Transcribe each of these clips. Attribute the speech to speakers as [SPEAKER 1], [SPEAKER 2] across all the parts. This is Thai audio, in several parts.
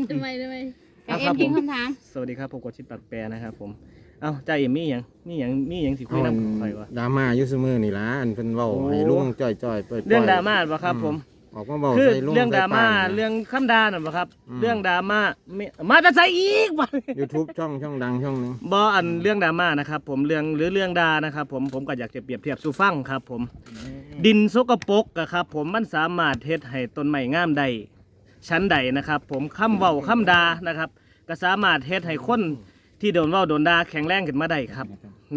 [SPEAKER 1] ทำไมจ่าเอ็มทิ้งคำถาม
[SPEAKER 2] สวัสดีครับผมกดชิดปากแปรนะครับผมเอ้าจ่าเอ็มมีอย่างสิคุยนำข่อยวะ
[SPEAKER 3] ดราม่าอยู่เสมอนี่ล่ะอันเพิ่นเว้าให้ลุงจ้อยๆเปิด
[SPEAKER 2] เรื่องดราม่าบ่ครับผม
[SPEAKER 3] ออกมาเว้า
[SPEAKER 2] คือ
[SPEAKER 3] ใส่ลุง
[SPEAKER 2] เรื่องดราม่าเรื่องคำด่าน่ะบ่ครับเรื่องดราม่ามาจะใส่อีกบ่
[SPEAKER 3] YouTube ช่องดังช่องนึง
[SPEAKER 2] บ่อันเรื่องดราม่านะครับผมเรื่องด่านะครับผมก็อยากจะเปรียบเทียบสู่ฟังครับผมดินสกปรกอะครับผมมันสามารถเฮ็ดให้ต้นไม้งามได้ชั้นใดนะครับผมคำเว้าคำด่านะครับก็สามารถเฮ็ดให้คนที่โดนเว้าโดนด่าแข็งแรงขึ้นมาได้ครับไง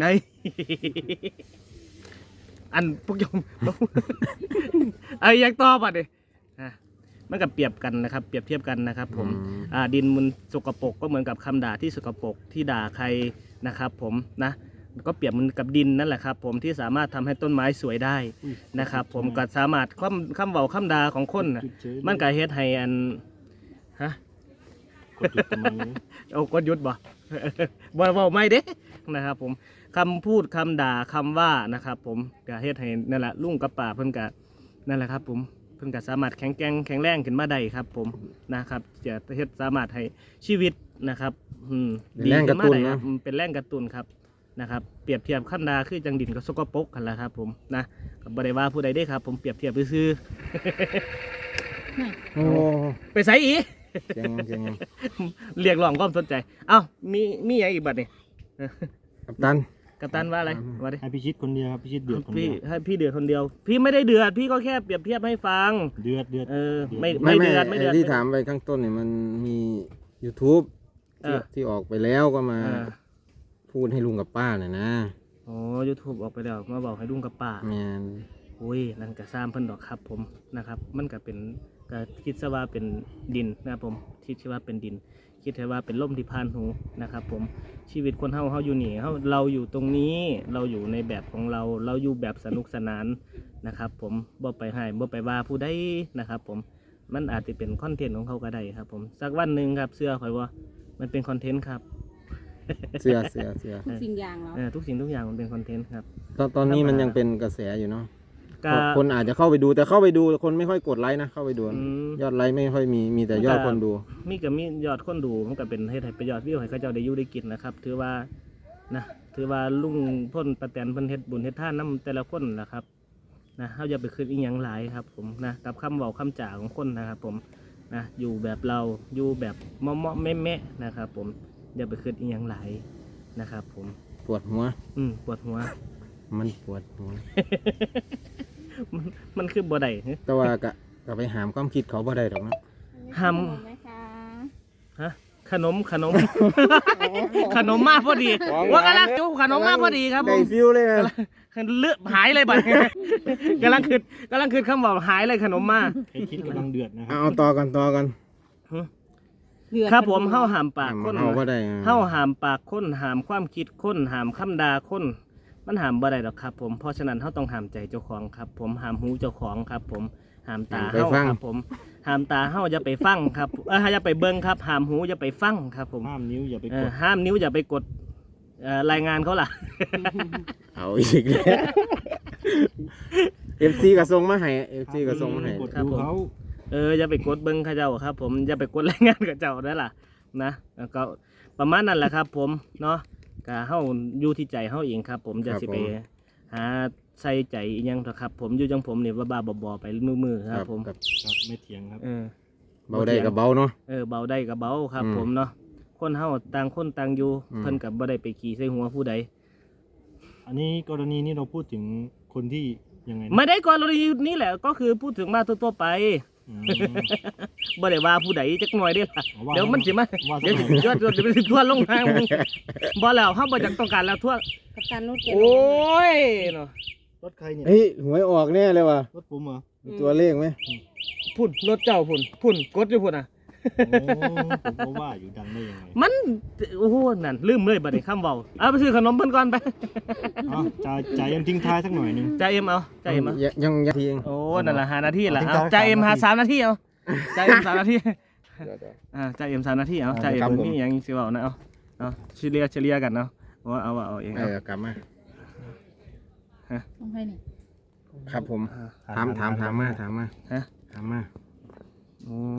[SPEAKER 2] อันพวกยม ไอ้ยังตอบอ่ะดิมันก็เปรียบกันนะครับเปรียบเทียบกันนะครับผมดินมันสกปรกก็เหมือนกับคำด่าที่สกปรกที่ด่าใครนะครับผมนะก็เปรียบมันกับดินนั่นแหละครับผมที่สามารถทำให้ต้นไม้สวยได้นะครับผมก็สามารถคำเว้าคำด่าของคนมันก็เฮ็ดให้อันฮะกดหยุดทำไมเอากดหยุดบ่ บ่ไม่เด้นะครับผมคำพูดคำด่าคำว่านะครับผมก็เฮ็ดให้นั่นแหละลุงกับป่าเพิ่นก็นั่นแหละครับผมเพิ่นก็สามารถแข็งแรงขึ้นมาได้ครับผมนะครับจะเฮ็ดสามารถให้ชีวิตนะครับ
[SPEAKER 3] ดีขึ้นมาได้ครับ
[SPEAKER 2] เป็นแรงกระตุ้นครับนะครับเปรียบเทียบคำด่าคือจังดินกับสกปรกกันแหละครับผมนะบ่ได้ว่าผู้ใดเด้ครับผมเปรียบเทียบซื่อ
[SPEAKER 3] โอ้
[SPEAKER 2] ไปใส่อี
[SPEAKER 3] เจ๋ง
[SPEAKER 2] เรียกร้องความสนใจเอ้ามีอย่างอีกบัดนี่
[SPEAKER 3] กัปตัน
[SPEAKER 2] ว่าอะไรว่าดิ
[SPEAKER 4] ให้พี่ชิดคนเดียวครับพี่ชิดเดือดคนเดียว
[SPEAKER 2] ให้พี่เดือดคนเดียวพี่ไม่ได้เดือดพี่ก็แค่เปรียบเทียบให้ฟัง
[SPEAKER 4] เดือด
[SPEAKER 2] ไม่เดือด
[SPEAKER 3] ที่ถามไปข้างต้นเนี่ยมันมี YouTube ที่ออกไปแล้วก็มาพูดให้ลุงกับป้าเนี่ยนะ
[SPEAKER 2] อ๋อ YouTube ออกไปแล้วมาบอกให้ลุงกับป้า
[SPEAKER 3] แม่น
[SPEAKER 2] โอ้ยนั่นก็ซ้ำเพิ่นดอกครับผมนะครับมันก็เป็นก็คิดซะว่าเป็นดินนะครับผมคิดซะว่าเป็นดินคิดซะว่าเป็นล่มที่ผ่านหูนะครับผมชีวิตคนเฮาอยู่นี่เราอยู่ตรงนี้เราอยู่ในแบบของเราอยู่แบบสนุกสนานนะครับผมบ่ไปให้บ่ไปว่าผู้ใดนะครับผมมันอาจจะเป็นคอนเทนต์ของเขาก็ได้ครับผมสักวันหนึ่งครับเชื่อข่อยว่ามันเป็นคอนเทนต์ครับ
[SPEAKER 3] เสื้อ
[SPEAKER 1] ทุกสิ่งอย่าง
[SPEAKER 2] แล้วทุกสิ่งทุกอย่างมันเป็นคอนเทนต์ครับ
[SPEAKER 3] ตอนนี้มันยังเป็นกระแสอยู่เนาะคนอาจจะเข้าไปดูแต่เข้าไปดูคนไม่ค่อยกดไลค์นะเข้าไปดูยอดไลค์ไม่ค่อยมีแต่ยอดคนดู
[SPEAKER 2] มียอดคนดูมันก็เป็นให้ประโยชน์วิวให้เขาเจ้าได้อยู่ได้กินนะครับถือว่าลุงพ่นประแตนเพิ่นเฮ็ดบุญเฮ็ดทานน้ำแต่ละคนนะครับนะเฮาอย่าไปคิดอีหยังหลายครับผมนะกับคำเว้าคำจ่าของคนนะครับผมนะอยู่แบบเราอยู่แบบเมาะแม่นะครับผมอย่าไปคิดอีหยังหลายนะครับผม
[SPEAKER 3] ปวดหัว
[SPEAKER 2] ปวดหัว
[SPEAKER 3] มันปวดหัว
[SPEAKER 2] มันคือบ่ได้
[SPEAKER 3] แต่ว่าก็ไปหามความคิดเขาบ่ได้หรอกนะ
[SPEAKER 2] ห้ามฮะขนม ขนมมากพอดีว่ากำลังจุขนมมากพอดีครับผม
[SPEAKER 3] ได้ฟิลเลย
[SPEAKER 2] เลือดหายเลยบัดกำลังคืดคำบอกหายเลยขนมมาก
[SPEAKER 4] คิดกำลังเดือดนะครับ
[SPEAKER 3] เอาต่อกัน
[SPEAKER 2] ครับผมเฮาหามปากคน
[SPEAKER 3] เฮา
[SPEAKER 2] หามปากคนหามความคิดคนหามคำด่าคนมันหามบ่ได้หรอกครับผมเพราะฉะนั้นเฮาต้องหามใจเจ้าของครับผมหามหูเจ้าของครับผมหามตาเฮาครับผมหามตาเฮาอย่าไปฟังครับอย่าไปเบิ่งครับหามหูอย่าไปฟังครับผม
[SPEAKER 4] ห้ามนิ้วอย่าไปกด
[SPEAKER 2] ห้ามนิ้วอย่าไปกดรายงานเขาล่ะ
[SPEAKER 3] เอาอีกแล้ว FC ก็ส่งมาให้
[SPEAKER 2] ครับผมอย่าไปกดเบิ่งเขาเจ้าครับผมอย่าไปกดรายงานกับเจ้าได้ล่ะนะก็ประมาณนั้นแหละครับผมเนาะก็เฮาอยู่ที่ใจเฮาเองครับผมจะสิไปหาใส่ใจอีหยังเถอะครับผมอยู่จังผมนี่บ้าๆบอๆไปมือครับผม
[SPEAKER 4] ครับไม่เถียงครับ
[SPEAKER 3] เบาได้กับเบาเนาะ
[SPEAKER 2] เบาได้กับเบาครับผมเนาะคนเฮาต่างคนต่างอยู่เพิ่นกับบ่ได้ไปขี่ใส่หัวผู้ใด
[SPEAKER 4] อันนี้กรณีนี้เราพูดถึงคนที่ยังไง
[SPEAKER 2] ไม่ได้กรณีนี้แหละก็คือพูดถึงมาทั่วๆไปบ่ได้ว่าผู้ใดจักหน่อยเด้ล่ะเดี๋ยวมันสิมาเดี๋ยวจะไปทั่วลงทางบ่แล้วเฮาบ่จักต้องการแล้วทั่ว
[SPEAKER 1] กัปตันรถเก๋ง
[SPEAKER 2] โอ้ยเนาะ
[SPEAKER 4] รถใครเนี่ย
[SPEAKER 3] หวยออกแน่เลยว่ะ
[SPEAKER 4] รถผมเหรอ
[SPEAKER 3] ตัวเลขไหม
[SPEAKER 2] พุ่นรถเจ้าพุ่นกดอยู่พุ่นอ่ะ
[SPEAKER 4] ผมก็ว่าอยู่ดังได้ยังไง
[SPEAKER 2] มันโอ้โหนั่นลืมเลยบัดนี้คำเว้าเอาไปซื้อขนมเพิ่นก่อนไป
[SPEAKER 4] จ่ายเอ็มทิ้งท้ายสักหน่อยนึง
[SPEAKER 2] จ่ายเอ็มเอา
[SPEAKER 3] ยังทีเอง
[SPEAKER 2] โอ้นั่นล่ะ5 นาทีล่ะเอาจ่ายเอ็มหา3 นาทีเอาจ่ายเอ็ม3 นาทีจ่ายเอ็ม3 นาทีเอาจ่ายเอ็มมีหยังสิเว้านะเอาเฉลี่ยกันเนาะว่าเอาเอง
[SPEAKER 3] กลับมา
[SPEAKER 1] ต้องให้นี่
[SPEAKER 3] ครับผมถามมาโอ้
[SPEAKER 2] ใจ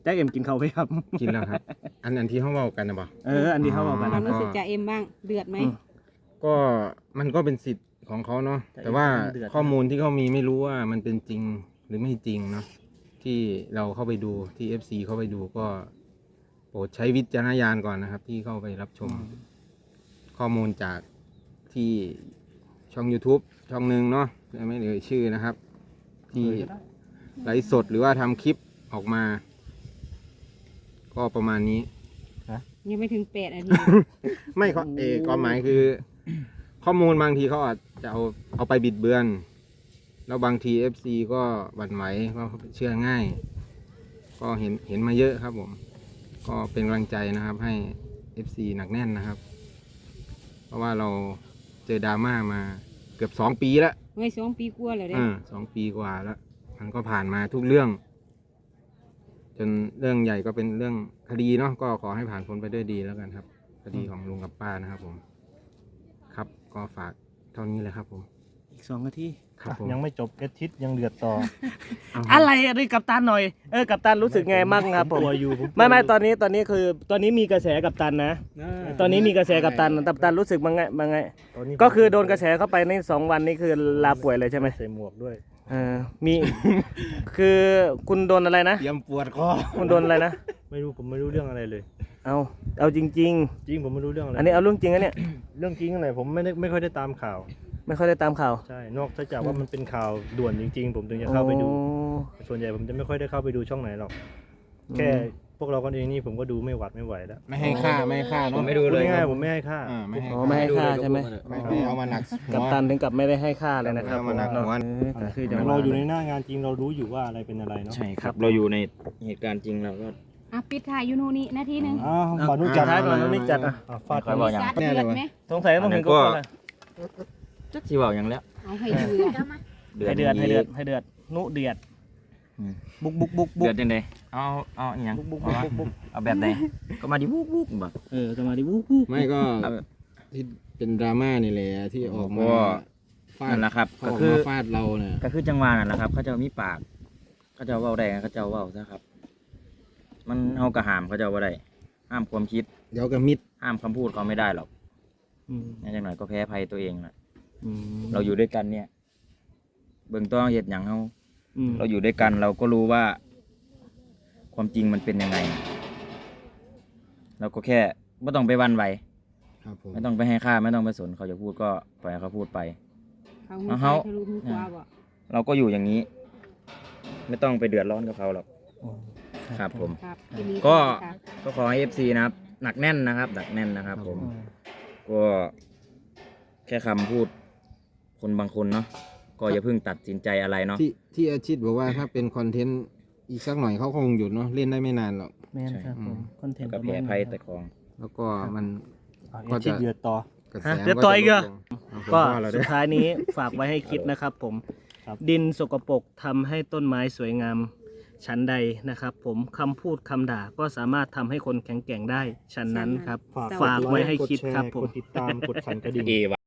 [SPEAKER 2] จ้าเอ็มกินเขาวไหมครับ
[SPEAKER 3] กินแล้วครับ อันที่เขาเว้ากันนะบ่
[SPEAKER 2] อันนี้เขาบอกกัน
[SPEAKER 1] ควา
[SPEAKER 2] นะ
[SPEAKER 1] มรู้สึกจ่าเอ็มบ้างเดือดไหม
[SPEAKER 3] ก็มันก็เป็นสิทธิ์ของเขาเนาะแต่ว่าข้อมูลที่เขามีไม่รู้ว่ามันเป็นจริงหรือไม่จริงเนาะที่เราเข้าไปดูที่ FC เข้าไปดูก็โปรดใช้วิจารณญาณก่อนนะครับ ที่เข้าไปรับชม ข้อมูลจากที่ช่อง YouTube ช่องหนึ่งเนาะไม่เอ่ยชื่อนะครับ ที่ไลฟ์สดหรือว่าทำคลิปออกมา ก็ประมาณนี้
[SPEAKER 1] ยังไม่ถึง8 นาที
[SPEAKER 3] ไม่เขาความหมายคือ ข้อมูลบางทีเขาอาจจะเอาไปบิดเบือน แล้วบางที FC ก็หวั่นไหวว่าเขาเชื่อง่าย ก็เห็นมาเยอะครับผม ก็เป็นกำลังใจนะครับให้ FC หนักแน่นนะครับ เพราะว่าเราเจอดราม่ามาเกือบ2 ปีแล้ว
[SPEAKER 1] เฮ้ย2 ปีกว่าแล้วเด้
[SPEAKER 3] 2 ปีกว่าแล้ว มันก็ผ่านมาทุกเรื่อง จนเรื่องใหญ่ก็เป็นเรื่องคดีเนาะก็ขอให้ผ่านพ้นไปด้วยดีแล้วกันครับ คดีของลุงกับป้านะครับผม ครับก็ฝากเท่านี้เลยครับผม
[SPEAKER 2] อีก2 นาที
[SPEAKER 3] ครับผม
[SPEAKER 4] ยังไม่จบเอทิศยังเดือดต่อ
[SPEAKER 2] อะไรอันนี้กัปตันหน่อยกัปตันรู้สึกไงมั่งครับผม
[SPEAKER 4] กลัวอยู่
[SPEAKER 2] ไม่ตอนนี้คือตอนนี้มีกระแสกัปตันนะ ตอนนี้มีกระแสกัปตันกัปตันรู้สึกมั้งไง
[SPEAKER 4] ตอนนี้
[SPEAKER 2] ก็คือโดนกระแสเข้าไปใน2 วันนี้คือลาป่วยเลยใช่ไหม
[SPEAKER 4] ใส่หมวกด้วย
[SPEAKER 2] มี คือคุณโดนอะไรนะ
[SPEAKER 3] เตรียมปวดคอ
[SPEAKER 2] คุณโดนอะไรนะ
[SPEAKER 4] ไม่รู้ผมไม่รู้เรื่องอะไรเลย
[SPEAKER 2] เอาจริง
[SPEAKER 4] จริงผมไม่รู้เรื่องอะไร
[SPEAKER 2] ๆ อันนี้เอาเรื่องจริงนะเนี่ย
[SPEAKER 4] เรื่องจริงอะไรผมไม่ค่อยได้ตามข่าว
[SPEAKER 2] ไม่ค่อยได้ตามข่าว
[SPEAKER 4] ใช่นอกจากว่ามันเป็นข่าวด่วนจริง ๆ ผมถึงจะเข้าไปดู
[SPEAKER 2] โอ้
[SPEAKER 4] ส่วนใหญ่ผมจะไม่ค่อยได้เข้าไปดูช่องไหนหรอก แค่พวกเรากันเองนี่ผมก็ดูไม่ไหวแล้ว
[SPEAKER 3] ไม่ให้ค่าเนาะ
[SPEAKER 5] ไม่ดูเลย
[SPEAKER 4] ง่ายๆผมไม่ให้ค่า
[SPEAKER 3] ไม่ให้
[SPEAKER 2] อ๋อไม่ให้ค่าใช่ไหม
[SPEAKER 3] ไม่เอามาหนักหัว
[SPEAKER 2] กัปตันถึงกับไม่ได้ให้ค่าเลยนะครับ
[SPEAKER 3] เอามาหนักหัว
[SPEAKER 2] ก็คือจะ
[SPEAKER 4] เราอยู่ในหน้างานจริงเรารู้อยู่ว่าอะไรเป็นอะไรเนาะ
[SPEAKER 5] ใช่ครับ เราอยู่ในเหตุการณ์จริงเราก็
[SPEAKER 1] ปิดถ่ายอยู่โน่นนี่นาทีหนึง
[SPEAKER 4] อ้าว
[SPEAKER 2] เอา
[SPEAKER 4] บานุ
[SPEAKER 2] จั
[SPEAKER 4] จั
[SPEAKER 2] ด
[SPEAKER 4] ด
[SPEAKER 2] ท้ายก่อนแล้วนี่จัดอ่ะ
[SPEAKER 4] ฟาด
[SPEAKER 5] คอยบอกอย่าง
[SPEAKER 1] ซัดเดือดไหม
[SPEAKER 2] สงสัยต้องถึงก็เลย
[SPEAKER 5] จักที่บอกอย่างแล้ว
[SPEAKER 1] เอาให้เดือด
[SPEAKER 2] ให้เดือดให้เดือดนุเดือด
[SPEAKER 5] อืม
[SPEAKER 2] บุก
[SPEAKER 5] เดือดยังไงเอาอหย่าง
[SPEAKER 2] บุก
[SPEAKER 5] เอาแบบไหนก็มาดิบุกบ่
[SPEAKER 2] จะมาดิบุก
[SPEAKER 3] ไม่ก็
[SPEAKER 5] เอาแบบ
[SPEAKER 3] ที่เป็นดราม่านี่แหละที่ออกมา
[SPEAKER 5] ก็
[SPEAKER 3] ฟาด
[SPEAKER 5] นั่นแหละครับ
[SPEAKER 3] เขา
[SPEAKER 5] ก็
[SPEAKER 3] ออก
[SPEAKER 5] คือ
[SPEAKER 3] มาฟาดเราเนี่ย
[SPEAKER 5] ก็คือจังหวะนั่นแหละครับ เขาจะมีปากเขาจะเว้าได้เขาจะเว้าซะครับ มันเฮากระหามเขาจะเว้าได้ห้ามความคิด
[SPEAKER 3] เดี๋ยวกับมิด
[SPEAKER 5] ห้ามคำพูดเขาไม่ได้หรอกนั่นจังหน่อยก็แพ้ภัยตัวเองแหละเรา
[SPEAKER 2] เรา
[SPEAKER 5] อยู่ด้วยกันเนี่ย เบิ่งต้องเหตุอย่างเราอยู่ด้วยกันเราก็รู้ว่า ความจริงมันเป็นยังไง เราก็แค่ไม่ต้องไปหวันไหว
[SPEAKER 3] ครับผม
[SPEAKER 5] ไม่ต้องไปให้ค่าไม่ต้องไปสนเขาจะพูดก็ปล่อยให้เขาพูดไป
[SPEAKER 1] เขาหูซ้ายทะลุหูขวาบ่
[SPEAKER 5] เราก็อยู่อย่างนี้ ไม่ต้องไปเดือดร้อนกับเขาหรอกครับผม
[SPEAKER 1] ครับทีนี้
[SPEAKER 5] ก็
[SPEAKER 1] ครับ
[SPEAKER 5] ก็ขอให้ FC นะครับหนักแน่นนะครับหนักแน่นนะครับ ผม ก็แค่คำพูดคนบางคนเนาะก็อย่าเพิ่งตัดสินใจอะไรเนาะ
[SPEAKER 3] ที่อาชิตบอกว่าถ้าเป็นคอนเทนต์อีกสักหน่อยเขาคงหยุดเนาะเล่นได้ไม่นานหรอก
[SPEAKER 2] แม่นครับผมคอนเทนต์
[SPEAKER 5] ก็แพ้ภัยแต่ของ
[SPEAKER 3] แล้วก็มัน
[SPEAKER 4] เอทิศเดือดต่อ
[SPEAKER 3] กระแส
[SPEAKER 2] เดี๋ยวต่ออีกเหรอ
[SPEAKER 3] ก็
[SPEAKER 2] ก็
[SPEAKER 3] เรา
[SPEAKER 2] สุ
[SPEAKER 3] ได้
[SPEAKER 2] ดท้ายนี้ฝากไว้ให้คิดนะครับผม
[SPEAKER 4] ครับ
[SPEAKER 2] ดินสกปรกทำให้ต้นไม้สวยงามชั้นใดนะครับผมคำพูดคำด่าก็สามารถทำให้คนแข็งแกร่งได้ชั้นนั้นครับ ฝากไว้ให้คิดครับผม
[SPEAKER 4] กดติดตามกดสั่นกระดิ่ง
[SPEAKER 5] เอวะ